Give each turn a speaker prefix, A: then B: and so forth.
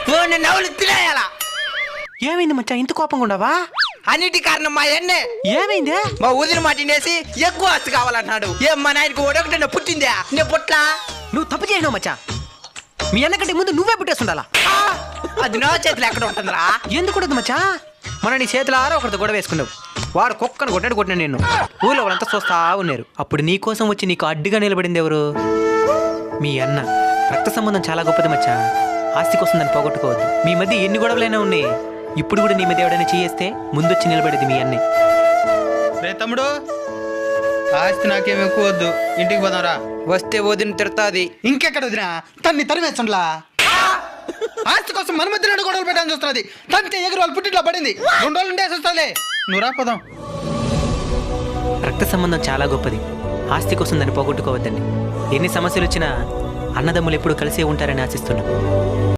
A: నవ్వులు తినేయాలా?
B: ఏమైంది మచ్చా ఇంత కోపంగా ఉండవా?
A: అన్నిటి కారణం మా అన్నే.
B: ఏమైంది?
A: మా వదిన మాట తినేసి ఎక్కువ ఆస్తి కావాలన్నాడు. ఏం మా నాయనకి ఒకటి పుట్టిందా? నే పుట్లా.
B: నువ్వు తప్పు చేసినావు మచ్చా. మీ అన్నకంటే ముందు నువ్వే పుట్టేస్తుండాలా.
A: అది నా చేతిలో ఎక్కడ ఉంటుందిరా?
B: ఎందుకు ఉండదు మచ్చా? మన నీ చేతుల ఆరో ఒకరితో గొడవ వేసుకున్నావు. వాడు కుక్కను కొట్టినా నిన్ను. ఊళ్ళో వాళ్ళంతా చూస్తా ఉన్నారు. అప్పుడు నీ కోసం వచ్చి నీకు అడ్డుగా నిలబడింది ఎవరు? మీ అన్న. రక్త సంబంధం చాలా గొప్పది మచ్చా. ఆస్తి కోసం దాన్ని పోగొట్టుకోవద్దు. మీ మధ్య ఎన్ని గొడవలైనా ఉన్నాయి. ఇప్పుడు కూడా నీ మీద ఎవడైనా చేయేస్తే ముందొచ్చి నిలబడేది మీ అన్నే.
C: రే తమ్ముడు, ఆస్తి నాకేం ఎక్కువ వద్దు, ఇంటికి పోదాంరా.
A: వస్తే వదిన తిడతాది.
C: ఇంకెక్కడ వదినా? తన్ని తరిమేస్తుండ్లా. ఆస్తి కోసం మన మధ్య రెండు గొడవలు పెట్టాలని చూస్తుంది. తంతే ఎగురు వాళ్ళు పుట్టిట్లో పడింది. 2 రోజులు ఉండేసి వస్తుంది. నువ్వు రా పోదాం.
B: రక్త సంబంధం చాలా గొప్పది. ఆస్తి కోసం దాన్ని పోగొట్టుకోవద్దండి. ఎన్ని సమస్యలు వచ్చినా అన్నదమ్ములు ఎప్పుడు కలిసే ఉంటారని ఆశిస్తున్నాం.